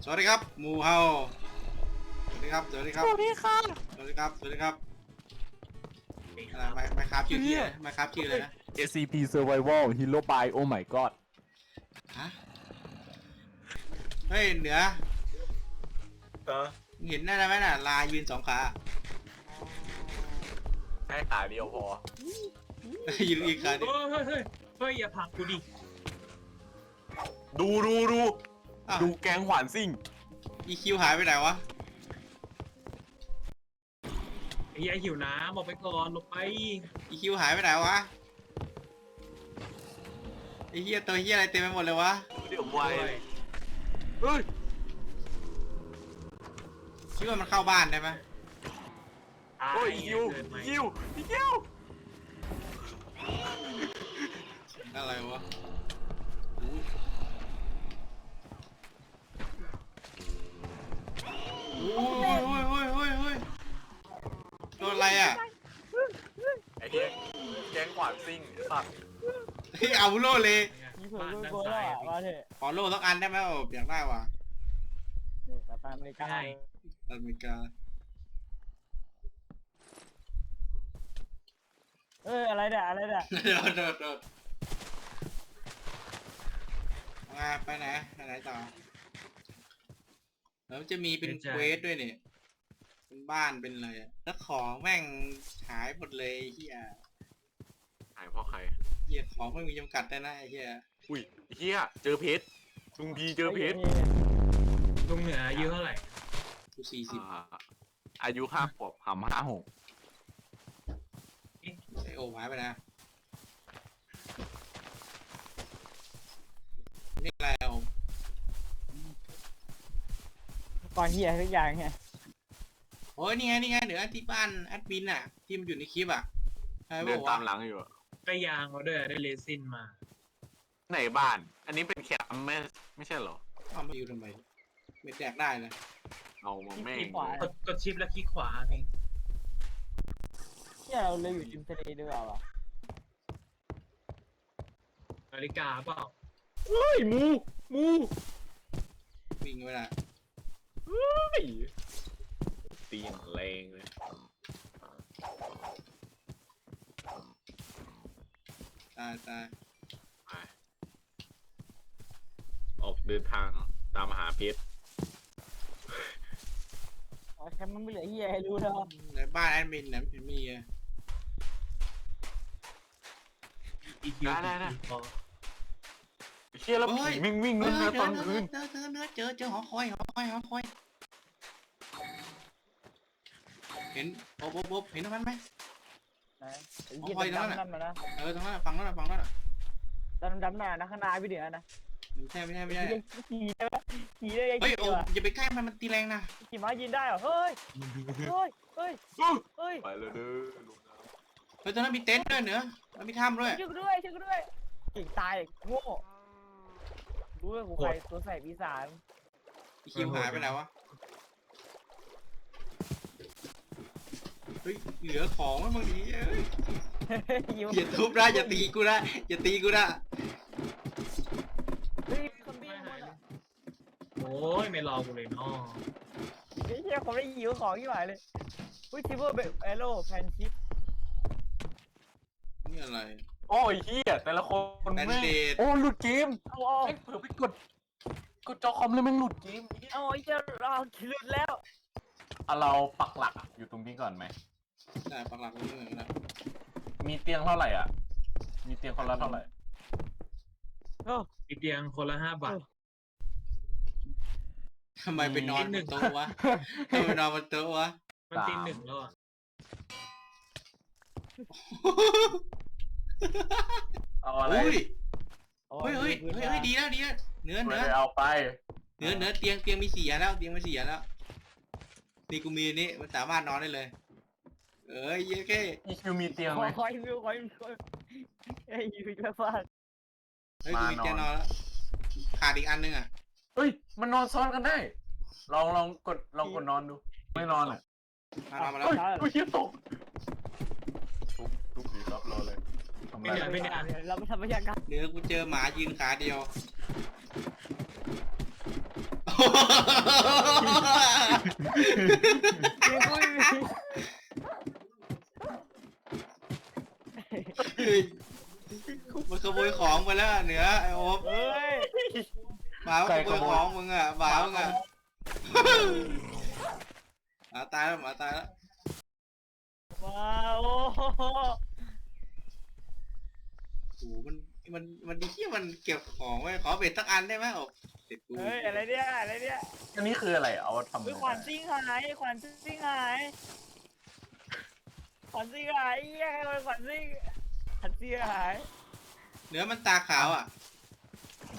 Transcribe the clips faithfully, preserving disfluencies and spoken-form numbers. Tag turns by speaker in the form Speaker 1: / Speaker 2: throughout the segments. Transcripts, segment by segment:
Speaker 1: สวัสดีครับหมูเฮาสวัสดีครับสวัสดีครับ
Speaker 2: สวัสดีค่ะ
Speaker 1: สวัสดีครับสวัสดีครับอะไรไม่ไม่ครับชื่อที่อะไรไม่ครับชื่ออะไรนะ
Speaker 3: เอ ซี พี Survival Hero by Oh my god
Speaker 1: ฮะเฮ้ยเหนือ
Speaker 3: เออ
Speaker 1: เห็นได้ไหมน่ะลายืนสองขา
Speaker 3: แค่ขาเดียวพอ
Speaker 1: ยืนอีกขาดิ
Speaker 2: เฮ้ยเฮ้ยเฮ้ยเฮ้ยอย่าผลักกูดิ
Speaker 3: ดูดูดู
Speaker 1: อ้าว
Speaker 3: ดูแกงหวานซิ่ง
Speaker 1: อีคิวหายไปไหนวะ
Speaker 2: ไอ้เหี้ยหิวน้ำออกไปก่อนลงไป
Speaker 1: อีคิวหายไปไหนวะไอ้เหี้ยตัวเหี้ยอะไรเต็มไปหมดเลยวะ
Speaker 3: เดี๋ยวไว
Speaker 2: เฮ้ย
Speaker 3: เฮ้ย
Speaker 1: คิดว่ามันเข้าบ้านได้ไหม
Speaker 3: โอ้ยยิว
Speaker 2: เกินไป
Speaker 3: ยิวยิว
Speaker 1: อะไรวะโอ้ยโอ้ยโอ้ยโอ้ยโอ้ยโดนอะไรอ่ะ
Speaker 3: ไอ้เหี้ยแกงหวานซิ่งไอ้สัตว์
Speaker 1: เฮ้ยเอาโล่เลย
Speaker 4: มีเผื่อ
Speaker 2: บ้าน
Speaker 4: ด้วย
Speaker 2: ด้าน
Speaker 4: โก
Speaker 2: ซ้า
Speaker 4: ล่ะ
Speaker 2: ย
Speaker 4: มาเถอะ
Speaker 1: ขอโล่สักอันได้ไหมโอ้อยากได้ว่ะ
Speaker 4: เนี่ยกลับไปอเมริกา
Speaker 2: ใช่
Speaker 1: อเมริกา
Speaker 4: เอ้ยอะไรเนี่ยอะไรเนี่ย
Speaker 1: โดดโดดโดดมาไปไหนไปไหนต่อแล้วจะมีเป็นเควสด้วยเนี่ยเป็นบ้านเป็นอะไรอะแล้วของแม่งหายหมดเลยไอ้เฮีย
Speaker 3: หายเพราะใคร
Speaker 1: เฮียของไม่มีจำกัดได้นะไอ้เฮีย
Speaker 3: อุ้ยไอ้เหี้ยเจอเพชรลุงพีเจอเพชร
Speaker 2: ลุงเหนืออายุเท่าไหร่
Speaker 1: กูสี่สิบ
Speaker 3: อ่าอายุห้าขวบหำห้าหก
Speaker 1: ไอโอหายไปนะนี่อะไรโอ
Speaker 4: ก่อนเหี้ยทุกอย่างเนี่ย
Speaker 1: โอ้ยนี่ไงนี่ไงเดี๋ยวที่บ้านแอดมินอ่ะที่มันอยู่ในคลิปอ่ะใช่
Speaker 3: เดิ
Speaker 1: ปะ
Speaker 3: น
Speaker 1: วะ
Speaker 3: ตามหลังอยู่อะ
Speaker 2: ได้ยางเขาด้วยได้เรซินมา
Speaker 3: ไหนบ้าน อันนี้เป็นแคมป์ไม่ไม่ใช่เหรอ
Speaker 1: เอามาอยู่ทำไมไม่แจกได้เลย
Speaker 3: เอามาแม่ง
Speaker 4: ที่ขวาก
Speaker 2: ดกดชิปแล้วคลิกขวาเอง
Speaker 4: เหี้ยเราเลยอยู่ริมทะเลด้วยเปล่าวะ
Speaker 2: นาฬิกาเปล่า
Speaker 3: เฮ้ยหมูหมู
Speaker 1: วิ่งไปละ
Speaker 3: เฮ้ยตีนแรงเลย
Speaker 1: ตายตาย
Speaker 3: ไปออกเดินทางตามหาเพชร
Speaker 4: อ๋อแคมป์มันไม่เหลือเหี้ยให้รู้แล้ว
Speaker 1: ในบ้านแอดมินเนี่ยมันมีอะ
Speaker 2: อีคิวพอ
Speaker 3: เชี่ยแล้วผีวิ่งวิ่ง
Speaker 1: เอ
Speaker 3: นู่น
Speaker 1: อ
Speaker 3: นะ
Speaker 1: เจ
Speaker 3: ต
Speaker 1: อ
Speaker 3: อน
Speaker 1: เจ
Speaker 3: คื
Speaker 1: อน เจอเจอเจอเจอเจอหอคอยหอคอยหอคอยเห็นโอ๊บโอ๊บโอ๊บเห็นตรงนั้นไหม
Speaker 4: นะไอ้เหี้ยดำๆนั่นมานะ
Speaker 1: เออตรงนั้นน่ะฝั่งนั้นน่ะฝั่งนั้นน่ะ
Speaker 4: ดำๆน่ะนะข้างหน้าพี่เหนือนะ
Speaker 1: ไม่ใช่ไม่ใช่ไม่ใช่
Speaker 4: ขี่ได้ไหมขี่ได้ยัง
Speaker 1: เฮ้ย
Speaker 4: ขี่
Speaker 1: โอ้
Speaker 4: วะ
Speaker 1: อย่าไปใกล้มันมันตีแรงนะ
Speaker 4: ขี่ม้ายืนได้เหรอเฮ้ยเฮ้ยเฮ้ยเฮ้ย
Speaker 3: ไปเลยเด้อลุงนะ
Speaker 1: เฮ้ยตรงนั้นมีเต็นท์ด้วยเนอะแล้วมีถ้ำด้วย
Speaker 4: ช่วยกูด้วยช่วยกูด้วยเก่งตายโง่รู้ว่ากูใครตัวใส่ปีศาจ
Speaker 1: อีคิวหายไปไหนวะเฮ้ยเหลือของไว้บางทีเอ้ย
Speaker 4: หิว
Speaker 1: อย่าทุบนะอย่าตีกูนะอย่าตีกูนะ
Speaker 4: เฮ้ยคอมบี้หมดอ่ะ
Speaker 2: โอ้ยไม่รอกูเลยเนาะ
Speaker 4: ไอ้เหี้ยผมได้หิวของที่หมายเลยอุ้ยทิเวอร์เบลเอโร่แพนชิป
Speaker 1: นี่อะไร
Speaker 3: โอ้ยเฮียแต่ละคน
Speaker 1: แบน
Speaker 3: แม่ง
Speaker 1: เดด
Speaker 3: โอ้หลุดเกม
Speaker 4: เอาเอา
Speaker 3: แม่งเผื่อไปกดกดจอคอมเลยแม่งหลุดเกม
Speaker 4: เอาไอ้เจ้าเราหลุดแล้ว
Speaker 3: เอาเราปักหลักอะอยู่ตรงนี้ก่อนไหม
Speaker 1: ได้ปักหลักตรงนี้เลยนะ
Speaker 3: มีเตียงเท่าไหร่อ่ะ มีเตียงคนละเท่าไหร่
Speaker 4: โอ้
Speaker 2: อีกเตียงคนละห้าบาท
Speaker 1: ทำไมไปนอนบนโต๊ะวะทำไมไปนอนบนโต๊ะวะ
Speaker 2: มันตีหนึ่งแล้วอ่ะ
Speaker 3: เอาอะไร
Speaker 1: อุ้ย
Speaker 4: โอ้
Speaker 1: เฮ้ยเฮ้ยเฮ้ยเฮ้ยดีแล้วดีแล้วเนื้อ
Speaker 3: ไม่
Speaker 1: เนื้อ
Speaker 3: ได้เอาไป
Speaker 1: เนื้อเนื้อเตียงเตียงมีสี่อันแล้วเตียงมีสี่อันแล้วนี่กูมีอันนี้มันสามารถนอนได้เลย เอ้ยเย้แค่
Speaker 3: อีคิวมีเตียง
Speaker 4: ข
Speaker 3: ไห
Speaker 4: อ
Speaker 3: ม
Speaker 4: คอยวิวคอยคอยไอ้ยูจะฟาด
Speaker 1: เฮ้ยกูมีเตียงนอนแล้วขาดอีกอันนึงอ่ะ
Speaker 3: เฮ้ย มันนอนซ้อนกันได้ ลองลองกดลองกดนอนดู ไม่นอนอ่ะ
Speaker 1: มานอนมาแล้ว
Speaker 3: เฮ้ยเฮ้ยเฮียตก ทุบทุบดีครับรอเลยทำไร
Speaker 2: ไม่ได้
Speaker 4: เราไม่ทำพยากรรม
Speaker 1: เดี๋ยวกูเจอหมายืนขาเดียว โอ้
Speaker 4: เตียงกูไม่มี
Speaker 1: มันขโมยของไปแล้วเหนือไอ้โอ๊บ
Speaker 4: เฮ้ย
Speaker 1: หมาขโมยของมึงอ่ะหมามึงอ่ะหมาตายแล้วหมาตายแล้ว
Speaker 4: ว้าวโอ้โห
Speaker 1: โอ้มันมันมันดีที่มันเก็บของไว้ขอเบ็ดสักอันได้ไหมโอ๊บเสร็จกู
Speaker 4: เฮ้ยอะไรเนี่ยอะไรเนี่ย
Speaker 3: อันนี้คืออะไรเอาทำ
Speaker 4: เฮ้ยขวานซิ่งหายขวานซิ่งหายขวานซิ่งหายเหี้ยใครขวานซิ่งขวานซิ่งหาย
Speaker 1: เหนือมันตาขาวอ่ะ
Speaker 3: ไหน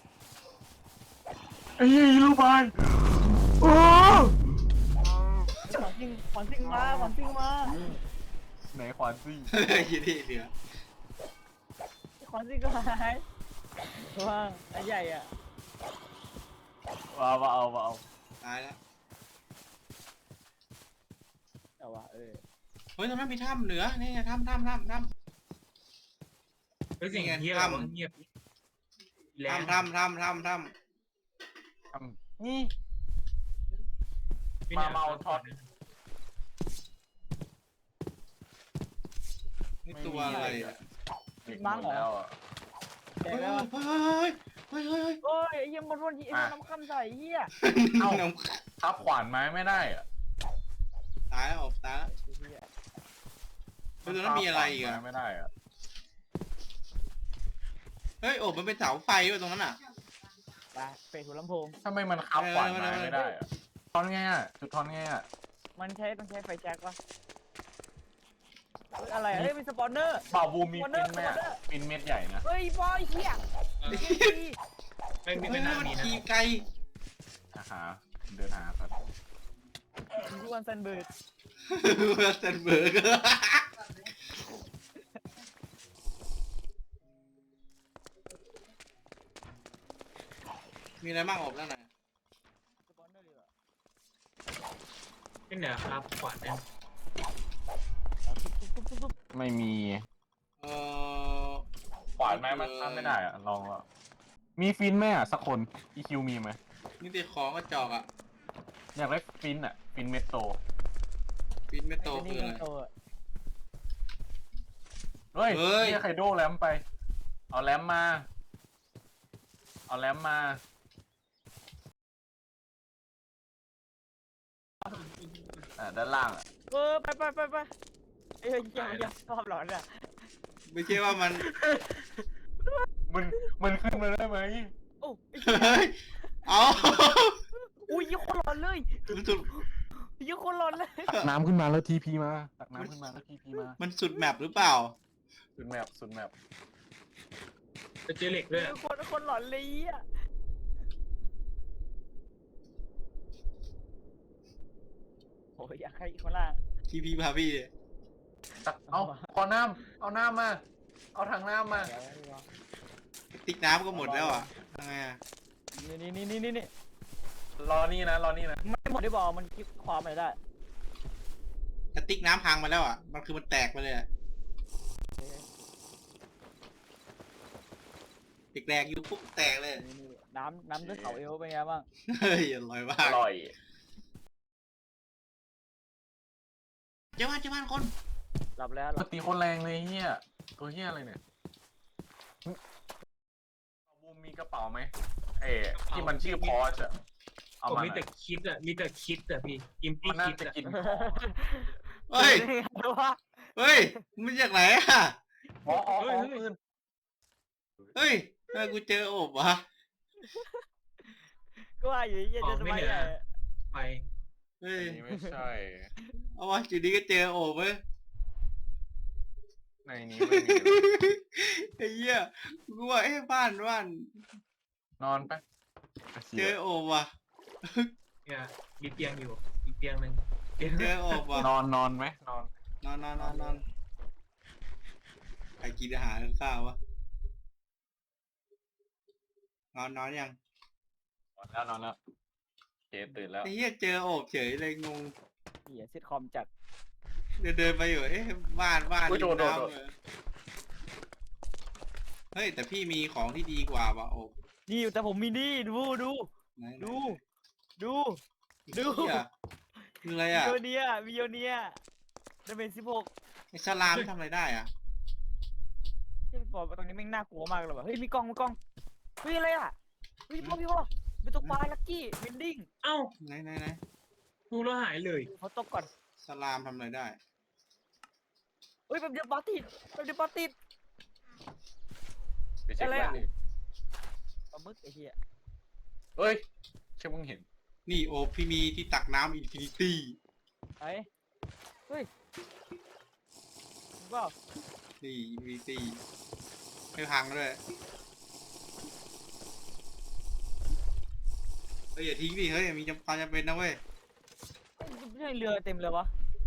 Speaker 3: ไอ้ยี่ลูกบอลโอ้
Speaker 4: ขวานซิ่งขวานซิ่งมาขวานซิ่งมา
Speaker 3: ไหนขวานซี่
Speaker 1: ยี่ที่เหนือ
Speaker 4: ขวานซิ่งก็หายว้าไอ้ใหญ่อะ
Speaker 3: มามาเอามาเอา
Speaker 1: ตายแล้ว
Speaker 4: แต่ว่าเออ
Speaker 1: เฮ้ยตรงนั้นมีถ้ำเหนือนี่ไงถ้ำถ้ำถ้ำถ้
Speaker 2: เฮ้ยเสียง
Speaker 1: นี่ไง
Speaker 2: เงียบ
Speaker 1: ถ้ำ
Speaker 2: วะเงียบแรง
Speaker 1: ำถ้ำถ้ำถ้ำถ้ำ
Speaker 3: ทำนี่
Speaker 2: พี่
Speaker 3: มา
Speaker 2: นี่ย
Speaker 3: เมาท็อต
Speaker 1: นี่ตัวอะไรอ่ะ
Speaker 3: เด็กหมดแล้วอ่ะ
Speaker 4: แด
Speaker 1: เฮ้
Speaker 4: ง
Speaker 1: ย
Speaker 4: แล้ว
Speaker 1: เฮ้ยเฮ้ยเฮ้ยเฮ้ย
Speaker 4: โอ้ยไอ้เหี้ยมันวนไอ้มันน้ำคำใส่เหี้ย
Speaker 3: เอ้า
Speaker 1: น้
Speaker 3: ทับขวานไม้ไม่ได้อ่ะ
Speaker 1: ำตายแล้วโอ๊บตายแล้วเฮ้ยตรงนั้นมีอะไรอีกอ่ะ
Speaker 3: ทับขวานไม้ไม่ได้อ่ะ
Speaker 1: เฮ้ยโอ๊บมันเป็นเสาไฟด้วยตรงนั้นอ่ะ
Speaker 4: ไปเปิดหัวลำโพง
Speaker 3: ทำไมมันคับขวานไม้ไม่ได้อ่ะทอนไงอ่ะจุดทอนไงอ่ะ
Speaker 4: มันใช้ต้องใช้ไฟแช็กวะเฮ้ยอะไรอะเฮ้ยเป็นสปอนเนอร์
Speaker 3: บ่าวบูมมีปินไหมอ่ะปินเม็ดใหญ่นะ
Speaker 4: เฮ้ยบอยเหี้ย
Speaker 2: ไม่ไม่
Speaker 1: เฮ้
Speaker 2: ไม่
Speaker 1: ย
Speaker 2: น่า
Speaker 1: มัน
Speaker 2: มีนะ
Speaker 1: ขี่ไกล
Speaker 3: อาหาเดินหาครับ
Speaker 4: ทุกวันซันเบิร์ด
Speaker 1: เซนเบิร์กมีอะไรบ้างโอ๊บนั่นน่ะ
Speaker 4: สปอนเนอร์ดีกว่า
Speaker 2: พี่เหนือครับขวานเนี่ย
Speaker 4: ปุ๊บปุ๊บปุ๊บปุ๊บ
Speaker 3: ไม่มี
Speaker 1: เออ
Speaker 3: ขวานไม้มันทำไม่ได้อ่ะลองแล้วมีฟินไหมอ่ะสักคนอีคิวมีไหม
Speaker 1: นี่ตีของกระจอกอ่ะ
Speaker 3: อยากได้ฟินอ่ะฟินเม็ดโต
Speaker 1: ฟินไม่โต
Speaker 4: ไอ้
Speaker 1: คือ
Speaker 4: นี่
Speaker 1: อะไร
Speaker 4: มันโตอะ
Speaker 3: เฮ้ย
Speaker 1: เฮ้ย
Speaker 3: นี่ไคโดแรมไป เอาแรมมา เอาแรมมาอ่าด้านล่างอ่ะ
Speaker 4: เออไปไปไปไปเอ้ยเหี้ยมันยังชอบหลอนอ่ะ
Speaker 1: ไม่ใช่ว่ามัน
Speaker 3: มันมันขึ้นมาได้ไหม
Speaker 4: โอ้ไอ้เหี้ย
Speaker 1: เฮ้ยเอา
Speaker 4: อุ้ยยี่คนหลอนเลย
Speaker 1: มันสุด
Speaker 4: ยี่คนหลอนเลย
Speaker 3: ตักน้ำขึ้นมาแล้วทีพีมาตักน้ำขึ้นมาแล้วทีพีมา
Speaker 1: มันสุดแมปหรือเปล่า
Speaker 3: สุดแมปสุดแมป
Speaker 2: จะเจอเหล็กด้วย
Speaker 4: ยี่คนคนหลอนเลยอ่ะโอ้ยอยากให้คนล่าง
Speaker 1: ทีพีพาพี่
Speaker 3: ตักเอาขอน้ำเอาน้ำมา เอาถังน้ำมา
Speaker 4: เดี๋ยวเดี๋ยว
Speaker 1: ติ๊กน้ำก็หมดแล้วอ่ะทำไงอ่ะ
Speaker 4: นี่นี่นี่นี่นี่
Speaker 3: รอนี่นะรอนี่นะ
Speaker 4: ไม่หมดได้บอกมันคลิปความอะไรได้
Speaker 1: กระติกน้ำพังมาแล้วอ่ะ มันคือมันแตกไปเลยอ่ะแตกๆอยู่ปุ๊บแตกเลย
Speaker 4: นี่นี่น้ำน้ำด้วยเขาเอวเป็นไงบ้าง
Speaker 1: เฮ้ยอร่อยมา
Speaker 3: อก ร่อย
Speaker 1: เจ้าบ้านเจ้าบ้านคน
Speaker 4: หลับแล้วห
Speaker 3: ป
Speaker 4: ลั
Speaker 3: ก
Speaker 4: บ
Speaker 3: ติคนแรงเลยเฮียตัวเฮียอะไรเนี่ยบูมมีกระเป๋าไหมเอ๋ที่มันชื่อพอชอะเอา
Speaker 2: ผม
Speaker 3: มา
Speaker 2: มีแต่คิดอะมีแต่คิดอะพี่อิมตี้
Speaker 3: มันน่า
Speaker 2: คิด
Speaker 3: จะ
Speaker 2: อะ
Speaker 3: กิน
Speaker 1: เฮ้ย
Speaker 4: ว่า
Speaker 1: เฮ้ยมันจากไหนอ่ะ
Speaker 3: อ๋ออ๋ออ๋อปืน
Speaker 1: เฮ้ยทำไมกูเจอโอบวะ
Speaker 4: ก็ว่าอยู่ยังจะทำไมอ่ะ
Speaker 2: ไป
Speaker 1: เฮ้ย
Speaker 3: อันนี้ไม่ใช่
Speaker 1: เอาวะจุดนี้ก็เจอโอบเว้ย
Speaker 3: ในนี้ไม่มี
Speaker 1: ไอ้เหี้ยกูว่าเอ้บ้านบ้าน
Speaker 3: นอนไป
Speaker 1: เจอโอบว่ะ
Speaker 2: เนี่ยมีเตียงอยู่มีเตียงหนึ่งเตียง
Speaker 1: เจอโอบว่ะ
Speaker 3: นอนนอนไหมนอน
Speaker 1: นอนนอนนอนนอนใครกินอาหารข้าววะนอนนอนยัง
Speaker 3: นอนแล้วนอนแล้วเคตื่นแล้ว
Speaker 1: ไอ้เหี้ยเจอโอบเฉยเลยงง
Speaker 4: เหี้ยซิทคอมจัด
Speaker 1: เดินเดินไปอยู่เอ๊ะบ้านบ้าน
Speaker 3: อุ๊ยโด
Speaker 1: ริ
Speaker 3: น
Speaker 1: ม
Speaker 3: โดน
Speaker 1: น้ำเลยเฮ้ยแต่พี่มีของที่ดีกว่าว่ะโอบ
Speaker 4: นี่แต่ผมมีนี่ดูดู
Speaker 1: ไหนไหน
Speaker 4: ดู ดู ดู
Speaker 1: เหี้ยคืออะไร
Speaker 4: มิ
Speaker 1: อ่ะ
Speaker 4: โยเนียมิโยเนียดาเมจสิบหก
Speaker 1: ไอ้สลามทำอะไรได้อ่ะ
Speaker 4: ที่บอกว่าตรงนี้แม่งน่ากลัวมากเลยว่ะเฮ้ยมีกล้องมีกล้องเฮ้ยอะไรอ่ะเฮ้ยพ่อพี่พ่อเป็นตัวปลาลักกี้วินดิ้ง
Speaker 2: เอ้า
Speaker 1: ไหนไหนไหน
Speaker 2: ดูแล้วหายเลย
Speaker 4: เขาตกก่อน
Speaker 1: สลามทำอะไรได้
Speaker 4: เฮ้ยแบบเดียวปลาติดแบบเดียวปลาติด
Speaker 3: ไปเช็ค
Speaker 4: อะไร
Speaker 3: แว่น
Speaker 4: อะ
Speaker 3: ดิ
Speaker 4: ปลาหมึกไอ้เหี้ย
Speaker 3: เฮ้ยเชื่อมึงเห็น
Speaker 1: นี่โอพี่มีที่ตักน้ำอินฟินิตี้
Speaker 4: ไอ้เฮ้ยมึงเปล่า
Speaker 1: นี่อินฟินิตี้ไม่พังด้วยเฮ้ยอย่าทิ้งดิเฮ้ยมีจำความจำเป็นนะเว้ย
Speaker 4: เฮ้ยไม่ใช่เรือเต็มเลยวะ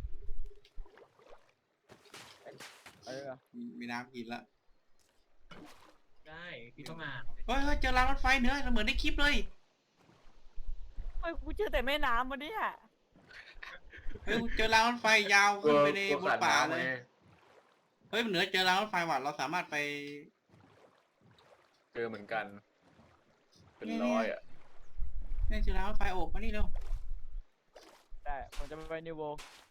Speaker 4: เอ้ยอะไรอะ
Speaker 1: มีมีน้ำกินละ
Speaker 2: ได้พี่ต้องอ่าน
Speaker 1: เฮ้ยเฮ้ยเจอรางรถไฟเนื้อเหมือนในคลิปเลย
Speaker 4: เฮ้ยกูเจอแต่แม่น้ำวันนี้อ่ะ
Speaker 1: เฮ้ยเจอรางรถไฟยาวขึ้นไปใน
Speaker 3: กลัว
Speaker 1: บน
Speaker 3: ขาด
Speaker 1: ป่า
Speaker 3: น้ำ
Speaker 1: เล
Speaker 3: ไง
Speaker 1: ยเฮ้ยมันเหนือเจอรางรถไฟว่ะเราสามารถไป
Speaker 3: เจอเหมือนกัน เป็นร้อยอ่ะ
Speaker 1: เนี่ยเจอรางรถไฟโอบมานี่เร็ว
Speaker 4: ได้ผมจะไปนิวโว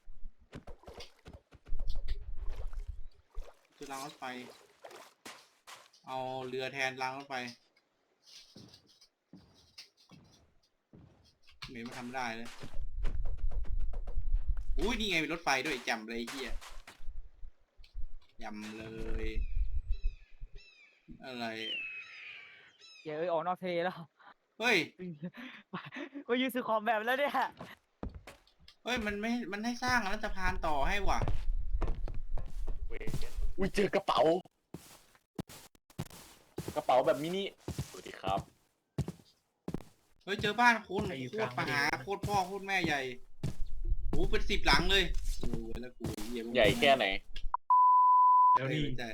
Speaker 1: เจอรางรถไฟ เอาเรือแทนรางรถไฟเหม็นมาทำได้เลยอุ้ยนี่ไงมีรถไฟด้วยจำเลยไอ้เฮียยำเลย อะไร
Speaker 4: เดี๋ยวเอ้ยออกนอกทะเลแล้ว
Speaker 1: เฮ้ย
Speaker 4: ก็ยืนซื้อคอมแบบแล้วเนี่ย
Speaker 1: เฮ้ยมันไม่มันให้สร้างรัฐพานต่อให้ว่ะ
Speaker 3: อุ้ยเจอกระเป๋า กระเป๋าแบบมินิสวัสดีครับ
Speaker 1: เฮ้ยเจอบ้านคุณโคตรมหาโคตรพ่อโคตรแม่ใหญ่โอ้เป็นสิบหลังเลยโอ้ยแล้วกูเหี้ย
Speaker 3: ใหญ่แค่ไหน
Speaker 2: เดี๋ยวนี้
Speaker 1: ใช่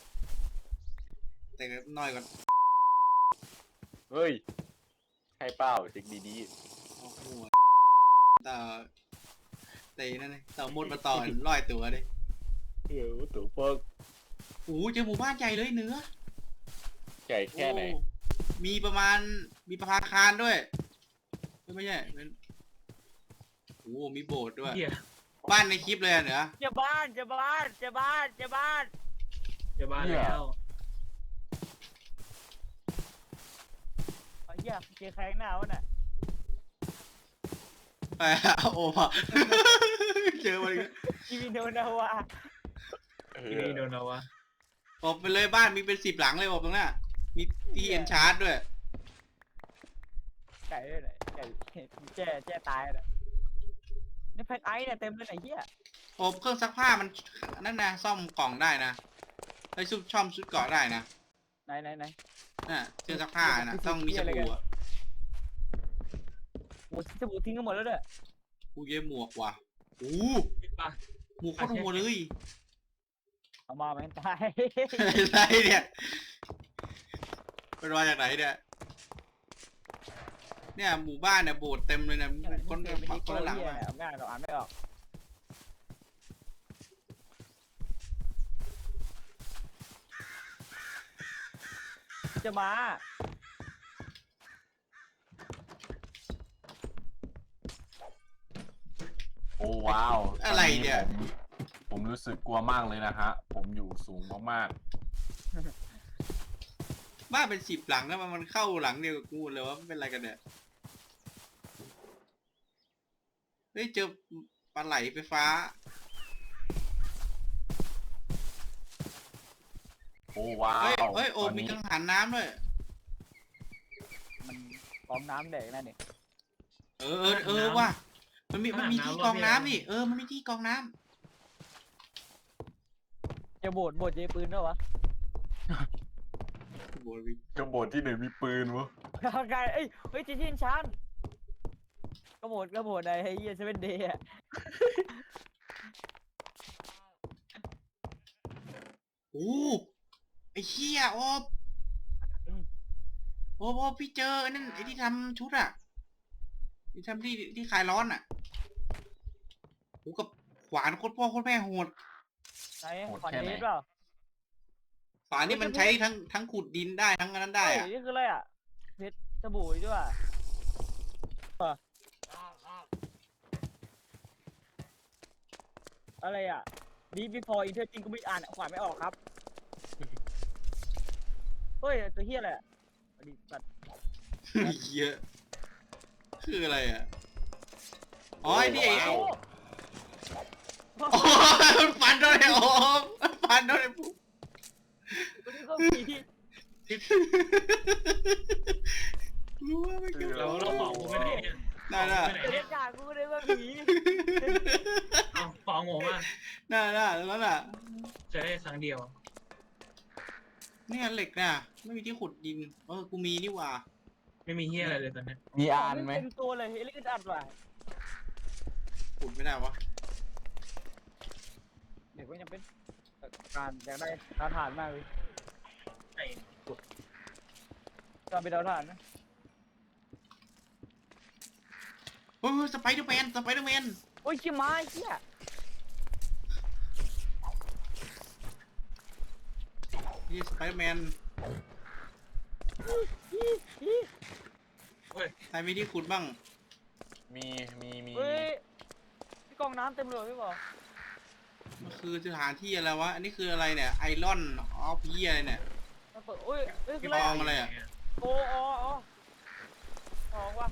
Speaker 1: แต่ก็น้อยกว่า
Speaker 3: เฮ้ยใช่เปล่าเช็คดี
Speaker 1: โอ้โหต่อแต่นั่นเลยต่อมดมาต่อร้อยตัวเลย
Speaker 3: ๆเออตัวเปิก
Speaker 1: โอ้โหเจอหมู่บ้านใหญ่เลยเนื้อ
Speaker 3: ใหญ่แค่ไหน
Speaker 1: โอ้มีประมาณมีประภาคารด้วยไม่ใช่เป็นโอ้โหมีโบสถ์ด้วย
Speaker 2: เหี้ย
Speaker 1: บ้านในคลิปเลยอะเหนือ
Speaker 4: จะบ้านจะบ้านจะบ้านจะบ้าน
Speaker 2: จะบ้าแล้ว
Speaker 4: ไอ้เหี้ยเจอใครข้างหน้าวะน่ะ
Speaker 1: ไปโอ้โหเจอมาอีกแล้ว
Speaker 4: กีวินโดนาวะ
Speaker 3: เอ
Speaker 2: ที่
Speaker 3: อ
Speaker 2: นี่โดนเอาวะ
Speaker 1: อบไปเลยบ้านมีเป็นสิบหลังเลยอบตรงนั้นมีที่เอ็นชาร์จด้วย
Speaker 4: ไก่ด้วยไหนไก่แจ้แจ้ตายเลยนี่แพ็คไอซ์เนี่ยเต็มเลยไหนเหี้ย
Speaker 1: อบเครื่องซักผ้ามันนั่นนะซ่อมกล่องได้นะไอ้ซุปช่อมชุดเกาะได้นะ
Speaker 4: ไหนไหนไหน
Speaker 1: น่ะเครื่องซักผ้านะต้องมีสบู่อะ
Speaker 4: โอ้สบู่ทิ้งกันหมดแล้วด้วย
Speaker 1: กูเย็บหมวกว่ะโอ้
Speaker 2: คิดปะ
Speaker 1: หมวกโคตรโหดเลย
Speaker 4: เอามาแม่งตาย
Speaker 1: อะไรเนี่ยเป็นมาจากไหนเนี่ยเนี่ยหมู่บ้านเนี่ยโบสถ์เต็มเลยนะคน
Speaker 4: เก
Speaker 1: คน
Speaker 4: มนี้
Speaker 1: คนละหลัง
Speaker 4: เหี้ย
Speaker 1: มา
Speaker 4: เนี่ยเอาง่ายเราอ่านไม่ออกจะมา
Speaker 3: โอ้ว้าว
Speaker 1: อะไรเนี่ย
Speaker 3: ตอผมผมรู้สึกกลัวมากเลยนะฮะ ผมอยู่สูงมาก
Speaker 1: บ้านเป็นสิบหลังแล้วมันเข้าหลังเดียวกับกูเลยว่ามันเป็นอะไรกันเนี่ยเฮ้ยเจอปลาไหลไฟฟ้า
Speaker 3: ๆโอ้ว้าว
Speaker 1: เฮ้ยเฮ้ยโอ
Speaker 3: ต
Speaker 1: ม
Speaker 3: น
Speaker 1: มี
Speaker 3: นี้
Speaker 1: กังหันน้ำด้วย
Speaker 4: มันกองน้ำแดกนั่นนี่
Speaker 1: เออเออเออว่ะมันมีมันมีที่กรองน้ำนี่เออมันมีที่กรองน้ำ
Speaker 4: จะโบดโบดเจปืนด้วยวะ
Speaker 1: โบวิ
Speaker 3: กระโบดที่ไหนมีปืนวะ
Speaker 4: ไกลเอ้ยเฮ้ยจีจินชันกระโบดกระโบดไอ้เหี้ยเซเว่นเดย์อะ
Speaker 1: โอ้ไอ้เหี้ยโอบโอบโอบพี่เจอไอ้นั่นไอ้ที่ทำชุดอะที่ทำที่ที่คลายร้อนอะโอ้กับขวานโคตรพ่อโคตรแม่โหด
Speaker 4: ไหนขอนเดสเปล่า
Speaker 1: ขวานนี่มันใช้ทั้งทั้งขุดดินได้ทั้งอันนั้นได้
Speaker 4: เฮ้ย
Speaker 1: อะ
Speaker 4: นี่คืออะไรอ่ะเพชรสบู่ด้วยอะไรอ่ะ Deep before enter จริงกูไม่อ่านขวานไม่ออกครับเฮ้ยตัวเฮียอะไรอ่ะอดีตสัตว์
Speaker 1: เยอะคืออะไรอ่ะอ๋อไอ้นี่ไอ้
Speaker 4: โอ้
Speaker 1: โอ้มันฟันโดนไอ้โอ้มันฟันโดนไอ้ปุ๊บ
Speaker 4: ตัวนี้ก็มี
Speaker 1: รู้ว่าไม่เกี่ยว
Speaker 2: เราเราของกูไปไหนเนี่ย
Speaker 1: น่าน่า
Speaker 2: ไปไหน
Speaker 4: บรร
Speaker 2: เนี่ย
Speaker 4: ยากาศกูก็ได้ว่าผี
Speaker 2: เอาของผมอ่ะ
Speaker 1: น่าน่าแล้วน่ะ
Speaker 2: ใช้ได้ครั้งเดียว
Speaker 1: เนี่ยเหล็กน่ะไม่มีที่ขุดดินเออกูมีนี่หว่า
Speaker 2: ไม่มีเฮียอะไรเลยตอนเนี้ย
Speaker 3: มีอานไหม
Speaker 4: เต็มตัวเลยเฮลิคอปเตอร์ว่ะ
Speaker 1: ขุดไม่ได้วะ
Speaker 4: เด็กก็ยังเป็นการอยากได้ดาวถ่านมากเลย
Speaker 2: ไอ้
Speaker 4: การเป็นดาวถ่านนะ
Speaker 1: เฮ้ยสไปเดอร์แมนสไปเดอร์แมน
Speaker 4: โอ้ยขี้ม้าไอ้เหี้ย
Speaker 1: นี่สไปเดอร์แมน
Speaker 4: อีอี
Speaker 2: เฮ้ย
Speaker 1: ใครมีที่ขุดบ้าง
Speaker 3: มีมีมี
Speaker 4: เฮ้ยพี่กองน้ำเต็มเลยพี่บอก
Speaker 1: มันคือสถานที่อะไรวะอันนี้คืออะไรเนี่ยไอรอนออฟเฮียอะไรเนี่ย
Speaker 4: มันเปิดโอ้ยเอ้ยคือ
Speaker 1: พี่
Speaker 4: อะไร
Speaker 1: บองอะไรอะ
Speaker 4: โอ้อ๋ออ๋ออ๋อว่ะ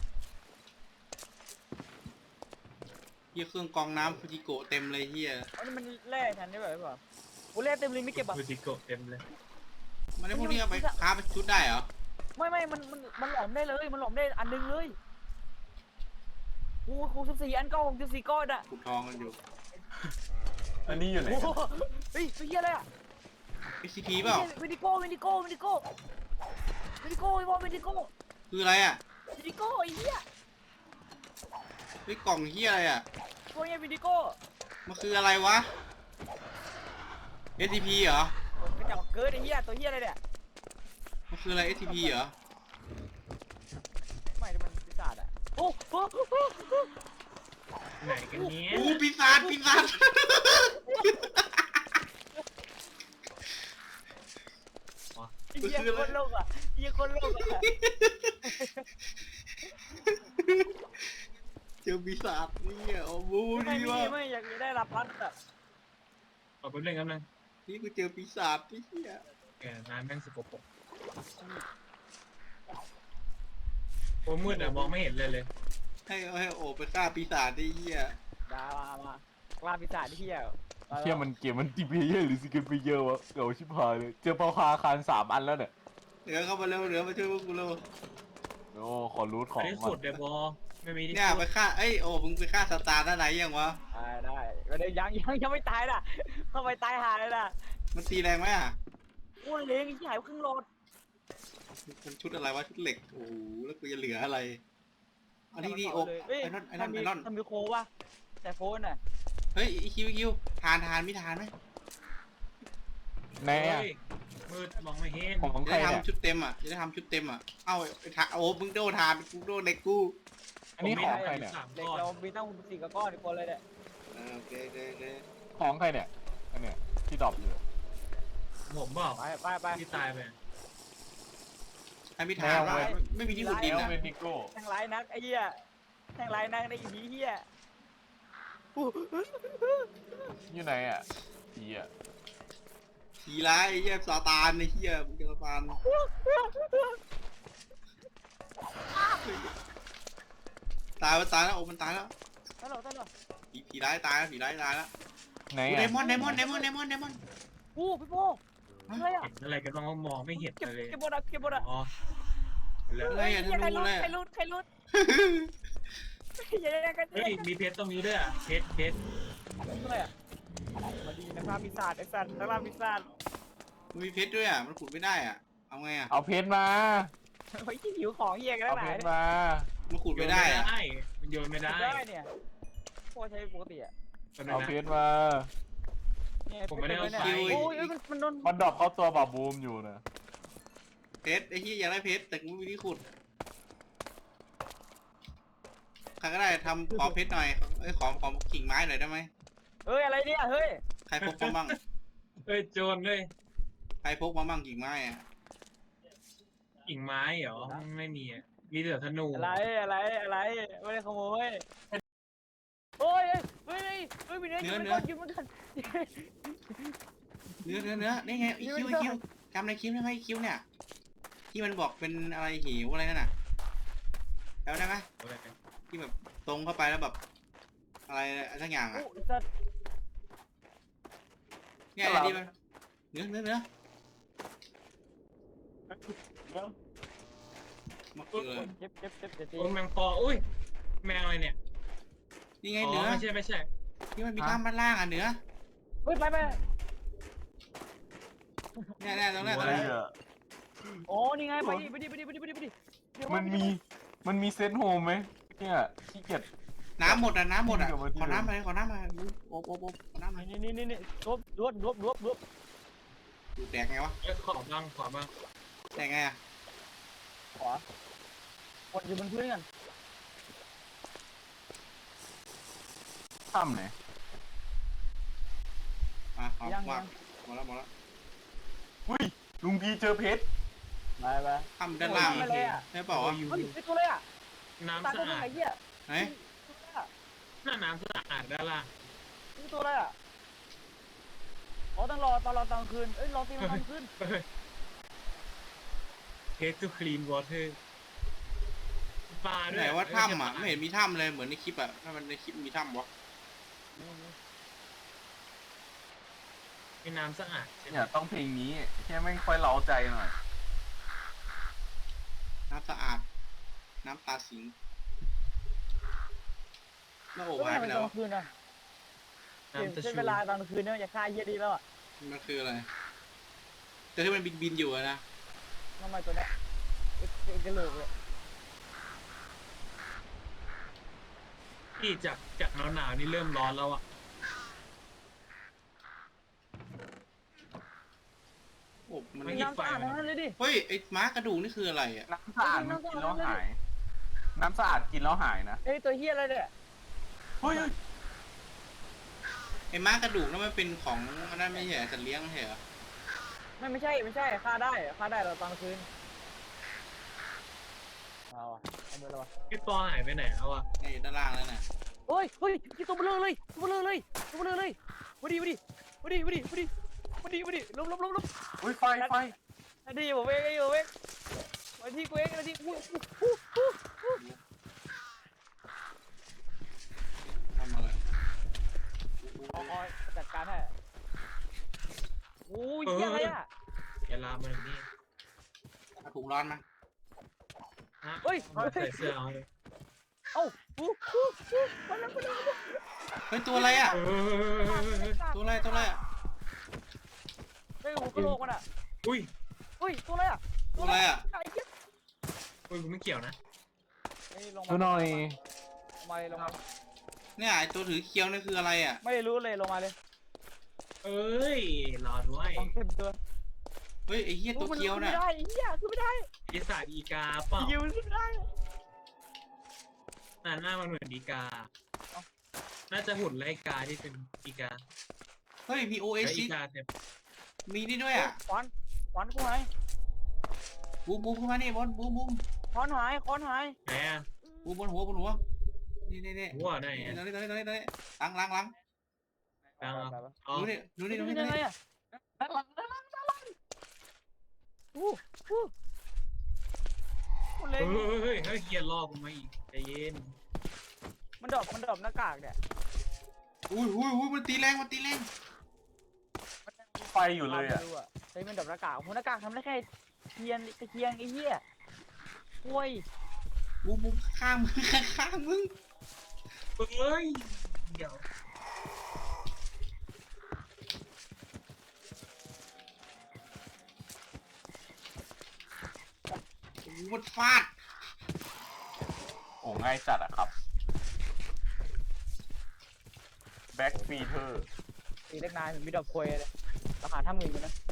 Speaker 1: เฮียเครื่องกรองน้ำฟูจิโกะเต็มเลยเฮีย
Speaker 4: อันนี้มันแร่ฉันได้แบบพี่บอกโอ้แร่เต็มเลยไม่เก็บอ่ะ
Speaker 2: ฟูจิโกะเต็มเลย
Speaker 1: มันได้พวกนี้เอาไปค้าไปชุดได้เหรอ
Speaker 4: ไม่ไม่มันมันมันหลอมได้เลยมันหลอมได้อันนึงเลยโอ้โหสิบสี่อันก็หกสิบสี่ก้อนอ่ะ
Speaker 1: ขุดทองกันอยู่
Speaker 3: อันนี้อยู่ไหน
Speaker 4: โอ้โหเฮ้ยเฮียอะไรอ่ะ
Speaker 1: เอ็กซ์พีเปล่า
Speaker 4: วิดิโก้วิดิโก้วิดิโก้วิดิโก้ไอ้บอลวิดิโก้
Speaker 1: คืออะไรอ่ะ
Speaker 4: วิดิโก้ไอ้เหี้ย
Speaker 1: เฮ้ยกล่องเฮียอะไรอ่ะ
Speaker 4: พวกเนี้ยวิดิโก้
Speaker 1: มันคืออะไรวะ เอส ที พี เหรอ
Speaker 4: กระจอกเกิดไอ้เหี้ยตัวเหี้ยอะไรเนี่ย
Speaker 1: มันคืออะไร เอส ที พี เหรอ
Speaker 4: ไม่มันปีศาจอ่ะโอ้โห
Speaker 2: ไหนกันเนี้ย
Speaker 1: โอ้ปีศาจปีศาจ
Speaker 4: ไอ้เหี้ยคนโลกอ่ะเหี้ยคนโลกอ่ะ
Speaker 1: เจอปีศาจนี่โอ้โห
Speaker 4: ไม่
Speaker 1: ดี
Speaker 4: ไม่
Speaker 1: ว่ะ
Speaker 4: ไม่อยากได้รับพัดอ่ะ
Speaker 2: เอาไปเล่นกันเลย
Speaker 1: นี่กูเจอปีศาจไอ้เหี้ย
Speaker 2: แกน้ำแม่งสกปรกโอ้มืดอะมองไม่เห็นเลยเลย
Speaker 1: ให้ให้โอไปฆ่าปีศาจไอ้เหี้ย
Speaker 4: ดามามาล่าปีศาจที่เหี้ย
Speaker 3: เที่ยมันเกมมันตีเพเยอร์หรือซิงเกิลเพเยอร์วะเก่าชิบหายเลยเจอปลาคาคารสามอันแล้วเนี่ย
Speaker 1: เหลือเข้ามาเร็วเหลือมาช่วยพวกกูเร็ว
Speaker 3: โอ้ขอรูทข
Speaker 2: อั
Speaker 3: อน ง
Speaker 2: นี้
Speaker 3: ก่
Speaker 2: สุ
Speaker 3: อ
Speaker 2: ด
Speaker 3: น
Speaker 2: เดบอไม่มีที่
Speaker 1: เนี่ยไปฆ่าเอ้ยโอ้มึงไปฆ่าสตาร์ด้านไหนยังวะ
Speaker 4: ได้ได้ก็ได้ยังยังยังไม่ตายน่ะเข้าไปตายหาเลยน่ะ
Speaker 1: มันตีแรงไหมอ่ะ
Speaker 4: อ้วนเลี้ยงไอ้หายครึ่งโลด
Speaker 1: มันชุดอะไรวะชุดเหล็กโอ้โหแล้วกูจะเหลืออะไรอันนี้นี่โอ้ไอ้นอนไอ้นอนไอ้นอน
Speaker 4: ทำมิโคว่ะแต่โฟนน่ะ
Speaker 1: เฮ้ยไอ้คิวไอ้คิวทานทานไม่ทานไหม
Speaker 3: แน่
Speaker 2: เฮ้ยมืดมองไม่เห็น
Speaker 3: ของ
Speaker 1: จะ
Speaker 3: ใคร
Speaker 1: ได้
Speaker 3: เนี่ย
Speaker 1: ทำชุดเต็มอ่ะจะได้ทำชุดเต็มอ่ะเอ้าไอ้ทาโอ้มึงโดนทานกูโดนเหล็กกู
Speaker 3: อันนี้ของใครเนี่ย
Speaker 2: สาม
Speaker 4: เด็ก
Speaker 2: ก้อน
Speaker 4: เรามีตั้งสี่กระก้อนอีกคนเลยเนี่ย
Speaker 1: เออโอเคโอเคโอเค
Speaker 3: ของใครเนี่ยอันเนี้ยที่ดรอปอยู่
Speaker 2: ผมบอก
Speaker 4: ไปไปไป
Speaker 2: ที่ตายไป
Speaker 1: ให้ไม่ทานวะไม่มีที่ขุดดิน
Speaker 3: แล้ว
Speaker 1: อ่ะ
Speaker 3: เวนิโก้
Speaker 4: แทงไรนักไอ้เหี้ยแทงไรนักในอีพีเหี้ย
Speaker 3: อยู่ไหนอ่ะผีอ่ะ
Speaker 1: ผีร้ายไอ้เหี้ยซาตานไอ้เหี้ยมึงจะซาตานตายมันตายแล้วโอ้มันตายแล้ว
Speaker 4: ตลกตลก
Speaker 1: ผีผีร้ายตายแล้วผีร้ายตายแล้ว
Speaker 3: ไหน
Speaker 1: โอ้
Speaker 3: อ่ะ
Speaker 1: เดมอนเดมอนเดมอนเดมอนเดมอน
Speaker 4: อู้พี่โป้อะไรอ่ะ
Speaker 2: เห็นอะไรกันบ้างว่ามองไม่เห็น
Speaker 4: เก็บ
Speaker 2: เลย
Speaker 4: เก็บบอลเก็บบอล
Speaker 2: อ๋อแล้ว
Speaker 1: อะไรอ่ะธ
Speaker 4: ใคร
Speaker 1: นู
Speaker 4: รุด
Speaker 1: เลย
Speaker 4: ใครรุดใครรุดอย่าได้กัน
Speaker 2: เฮ้ยมีเพชรตรงนี้ด้วยอ่ะเพชรเพชร
Speaker 4: อะไรอ่ะมาดีนะครับปีศาจไอ้สัตว์นักล่าปีศาจ
Speaker 1: มันมีเพชรด้วยอ่ะมันขุดไม่ได้อ่ะเอาไงอ่ะ
Speaker 3: เอาเพชรมา
Speaker 4: เฮ้ยที่หิวของเหี้ยกัน
Speaker 3: เอา
Speaker 4: แล้วไห
Speaker 3: เพ
Speaker 4: น
Speaker 3: ชรมา
Speaker 1: มันขุดไม่ได้อ่ะ
Speaker 2: มันโยนไม่ได้
Speaker 4: ได้เนี่ยพวกใช้ปกติอ่ะ
Speaker 2: ตอนนั้
Speaker 3: เอา
Speaker 2: น
Speaker 3: เพ
Speaker 2: นะ
Speaker 3: ชรมา
Speaker 2: ผมไม่ได้เอาไป
Speaker 4: โอ้ยมันมันโดน
Speaker 3: มันดรอปเข้าตัวบาบูมอยู่นะ
Speaker 1: เพชรไอ้เหี้ยอยากได้เพชรแต่กูไม่มีที่ขุดใครก็ได้ทำขอเพชรหน่อยเอ้ยขอขอกิ่งไม้หน่อยได้ไหม
Speaker 4: เฮ้ยอะไรเนี่ยเฮ้ย
Speaker 1: ใครพกมาบ้าง
Speaker 2: เฮ้ยโจรเลย
Speaker 1: ใครพกมาบ้างกิ่งไม้อ่ะ
Speaker 2: กิ่งไม้เหรอไม่มีอ่ะมีมีแต่ธนู
Speaker 4: อะไรอะไรอะไรไม่ได้ขโมยโอ้ยเฮ้ยเฮ้ยเฮ้ยมีเนื้ออยู่มันก่อนอยู่มันก่อน
Speaker 1: เนื้อเนื้อเนื้อนี่ไงไอคิวไอคิวจำในคลิปได้ไหมไอคิวเนี่ยที่มันบอกเป็นอะไรหิวอะไรนั่นน่ะแล้วได้ไหมที่แบบตรงเข้าไปแล้วแบบอะไรสักอย่างอ่ะ
Speaker 4: โอ้สัตว์
Speaker 1: เนี่ยที่มันเนื้อเนื้อเนื้อมาเกลือ
Speaker 4: เจ็บเจ็บเจ็บเจ็บ
Speaker 2: โอ้แมงปออุ้ยแมงอะไรเนี่ย
Speaker 1: นี่ไง
Speaker 2: อ๋อ
Speaker 1: เนื้อ
Speaker 2: ไม่ใช่ไม่ใช่
Speaker 1: ที่มันมีท่ามันล่างอ่ะเนื้อ
Speaker 4: เฮ้ยไปไป
Speaker 1: เนี่ยเนี่ยตรงนี้ตรง
Speaker 3: อะไร
Speaker 1: นี้
Speaker 3: อ่ะ
Speaker 4: โอ้นี่ไงไปดิไปดิไปดิไปดิไปดิไปดิ
Speaker 3: มันมีมันมีเซตโฮมไหมเนี่ยขี้เกียจ
Speaker 1: น้ำหมดอ่ะน้ำหมดอ่ะ
Speaker 3: เดี๋ยวมา
Speaker 1: ขอน้ำมาขอน้ำมาโอ๊บโอ๊บโอ๊บขอน้ำมา
Speaker 4: นี่นี่นี่นี่รวบรวบรวบรวบรวบ
Speaker 1: ดูแตกไงวะ
Speaker 2: เอ้ยขอบ้างขอบ้าง
Speaker 1: แตกไงอ่ะ
Speaker 4: ขวาคนอยู่บนพื้นกัน
Speaker 3: ถ้ำไหน
Speaker 1: มาขอ
Speaker 4: ยัง
Speaker 1: วา
Speaker 4: ยัง
Speaker 1: งหมดแล้วหมดแล้ว
Speaker 3: อุ้ยลุงพีเจอเพชร
Speaker 4: ไปไป
Speaker 1: ทำด้านล่าง
Speaker 4: ไม่เลยอ่ะ
Speaker 1: ได้เปล่าวะ
Speaker 4: เฮ้ยไอตัวเลยอ่ะ
Speaker 2: น้ำ
Speaker 4: ตาย
Speaker 2: สะ
Speaker 4: ตัวไห
Speaker 2: อาด
Speaker 4: นเหี้ย
Speaker 1: ไหน
Speaker 2: หน้าน้ำสะอาดด้านล่าง
Speaker 4: นี่ตัวอะไรอ่ะอ๋อต้องรอตอนรอตอนคืนเอ้ยรอตีมันตอนคืน
Speaker 2: เฮดทูคลีนวอเตอร์ปลาด้ว
Speaker 1: ไหน
Speaker 2: ย
Speaker 1: ว่าถ้ำอ่ะไม่เห็นมีถ้ำเลยเหมือนในคลิปอ่ะถ้ามันในคลิปมีถ้ำวะ
Speaker 2: มีน้ำสะอาดใช่ไหม
Speaker 3: เนี่ยต้องเพลงนี้แค่ไม่ค่อยเล้าใจหน่อย
Speaker 1: น้ำสะอาด น้ำตาสิงหน้าอก
Speaker 4: ก็
Speaker 1: หายไป
Speaker 4: มัน
Speaker 1: แล้ว
Speaker 4: ตอนคืนอ่ะเปลี่ยน
Speaker 2: น้ำตะ
Speaker 4: เส้น
Speaker 2: ชู
Speaker 4: เวลาตอนคืนเนี่ยอย่าฆ่าเหี้ยดีแล้วอ่ะ
Speaker 1: มันคืออะไรแต่ที่มันบินบินอยู่อะนะ
Speaker 4: ทำไมตัวเนี้ยเอ็กเอ็กกระโหลกเลย
Speaker 2: ที่จากจากหนาวหนาวๆนี่เริ่มร้อนแล้วอ่ะ
Speaker 1: โอ้มัน
Speaker 2: ไม่
Speaker 4: น้ำสะอาดทั้งนั้นเลยดิ
Speaker 1: เฮ้ยไอ้ม้ากระดูกนี่คืออะไรอ่ะ
Speaker 3: น้ำสะอาดมันกินแล้วหาย น้ำสะอาดกินแล้วหายนะ
Speaker 4: เอ้ยตัวเหี้ยอะไรเนี่ย
Speaker 3: เฮ้ย
Speaker 1: ไอ้ม้ากระดูกนั่นมันเป็นของอันนั้นไม่ใช่เหรอสัตว์เลี้ยงไม่ใช่เหรอ
Speaker 4: ไม่ไม่ใช่ไม่ใช่ฆ่าได้ฆ่าได้เราตอนคืนเอาอ่ะเอามือแล้ววะ
Speaker 2: พี่ปอหายไปไหนแล้วอ่ะ
Speaker 1: ไอ้ด้านล่างนั่นน่ะ
Speaker 4: เฮ้ยเฮ้ยกี่ตัวเบลอเลยตัวเบลอเลยตัวเบลอเลยมาดิมาดิมาดิมาดิมาดิมาดิมาดิล้มล้มล้มล้ม
Speaker 3: อุ้ยไฟไฟ
Speaker 4: มาดิผมเองไอ้ผมเองมาที่กูเองมาที่กูอู้อู้อู้
Speaker 1: ทำอะไร
Speaker 4: อ๋อจัดการให้โอ้ยเหี้ยอะไรอ่ะ
Speaker 2: อย่าลามมาถึงนี่
Speaker 1: เอาถุงร้อนมา
Speaker 2: ฮะ
Speaker 4: เฮ้ย
Speaker 2: เอาใส่เสื้อเอาเลย
Speaker 4: เอ้าอู้อู้อู้มาแล้วมาแล้ว
Speaker 1: เฮ้ยตัวอะไรอ่ะ
Speaker 2: เออ
Speaker 1: ตัวอะไรตัวอะไรอ่ะ
Speaker 4: เฮ้ยหัวกะโหลกมันอ่ะ
Speaker 2: อุ้ย
Speaker 4: เฮ้ยตัวอะไรอ่ะ
Speaker 1: ตัวอะไรอ่ะ
Speaker 4: ไอ้เหี้ย
Speaker 2: อุ้ยกูไม่เกี่ยวนะ
Speaker 4: เฮ้ยลง
Speaker 3: ดู
Speaker 4: มา
Speaker 3: หน่อย
Speaker 4: ลงมาเลยลงมา
Speaker 1: เนี่ยไอ้ตัวถือเคี้ยวนี่คืออะไรอ่ะ
Speaker 4: ไม่รู้เลยลงมาเลย
Speaker 2: เอ้ยรอด้วย
Speaker 4: ต้องเต็มตัว
Speaker 1: เฮ้ยไอ้เหี้ยตัวเคี้ยวน่ะ
Speaker 4: ไม่ได้ไอ้เหี้ยคือไม่ได้
Speaker 2: อีสานอีกาเปล่า
Speaker 4: ยิวขึ้นไม่ได้
Speaker 2: หน้าหน้ามันเหมือนอีกา น่าจะหุ่นไล่กาที่เป็นอีกา
Speaker 1: เฮ้ยมีโอเอ
Speaker 2: แล้ว
Speaker 1: ซิ
Speaker 2: อีกาเนี่ย
Speaker 1: มีนี่ด้วยอ่ะ
Speaker 4: ขวานขวานกูหาย
Speaker 1: บูมบูมขึ้นมานี่บอลบูมบูม
Speaker 4: ขวานหายขวานหาย
Speaker 2: ไหนอะ
Speaker 1: บูมบนหัวบนหัวนี่นี่นี่
Speaker 2: หัวไหน
Speaker 1: นี่
Speaker 2: อะ
Speaker 1: ตรงนี้ตรงนี้ตรงนี้ตรงนี้ล้างล้างล้าง
Speaker 2: กลางอะอ๋อ
Speaker 1: ดูนี่ดูนี่ดู
Speaker 4: นี่
Speaker 1: นี่ดู
Speaker 4: ยังไง
Speaker 1: นี่
Speaker 4: อ่ะด้านหลังด้านหลังด้านหลังอู้อู้มันเล็
Speaker 2: เฮ้
Speaker 4: ง
Speaker 2: ยเฮ้ยเฮ้ยเฮียรอบกูมาอีกใจเย็น
Speaker 4: มันดรอปมันดรอปหน้ากากเนี่ย
Speaker 1: อุ้ยอุ้ยอุ้ยมันตีแรงมันตีแรง
Speaker 3: ไฟอยู่เลยอ่ะ
Speaker 4: ไม่รู้อะเฮ้ยมันดรอปหน้ากากผมหน้ากากทำได้แค่เทียนตะเคียงไอ้เหี้ยโว้ย
Speaker 1: บูมบูมข้างมึงข้างมึง
Speaker 2: เฮ้ยเดี๋ยว
Speaker 1: โอ้โหมันฟาด
Speaker 3: โอ้ง่ายจัดอะครับ แบ็กฟีเธอร์
Speaker 4: ตีเล็กนายเหมือนมีดอกควยเลยราคาถ้าหมื่นอยู่นะ